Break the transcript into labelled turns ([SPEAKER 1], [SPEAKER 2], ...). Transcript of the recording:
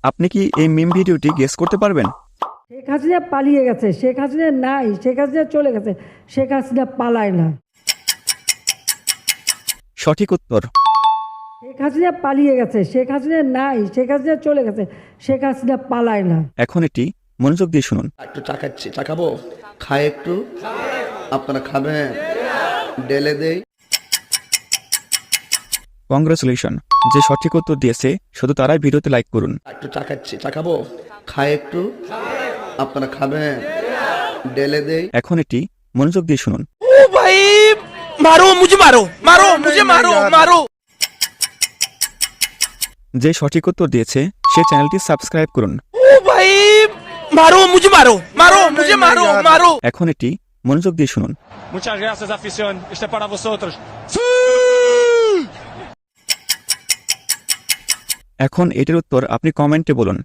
[SPEAKER 1] আপনি কি এই মিম ভিডিওটি গেস করতে পারবেন?
[SPEAKER 2] শেখ হাসিনা পালিয়ে গেছে, শেখ হাসিনা নাই, শেখ হাসিনা চলে গেছে, শেখ হাসিনা পালায় না।
[SPEAKER 1] সঠিক উত্তর।
[SPEAKER 2] শেখ হাসিনা পালিয়ে গেছে, শেখ হাসিনা নাই, শেখ হাসিনা চলে গেছে, শেখ হাসিনা পালায় না।
[SPEAKER 1] এখন এটি মনোযোগ দিয়ে শুনুন।
[SPEAKER 3] একটু চা খাচ্ছি, চা খাবো, খায় একটু, আপনারা খাবেন, ডেলে দেই।
[SPEAKER 1] কংগ্রেচুলেশন, যে সঠিক উত্তর দিয়েছে শুধু তারাই ভিডিওতে লাইক করুন।
[SPEAKER 3] একটু চা খাচ্ছি, চা খাবো, খায় একটু, আপনারা খাবেন, ডেলে দেই।
[SPEAKER 1] এখন এটি মনোযোগ দিয়ে শুনুন।
[SPEAKER 4] ओ भाई मारो मुझे, मारो मारो मुझे, मारो मारो।
[SPEAKER 1] যে সঠিক उत्तर দিয়েছে সে চ্যানেলটি সাবস্ক্রাইব করুন।
[SPEAKER 4] ओ भाई मारो मुझे, मारो मारो मुझे, मारो मारो।
[SPEAKER 1] এখন এটি মনোযোগ দিয়ে শুনুন।
[SPEAKER 5] Muchas gracias, afición. Este es para vosotros.
[SPEAKER 1] এখন এটির উত্তর আপনি কমেন্টে বলুন।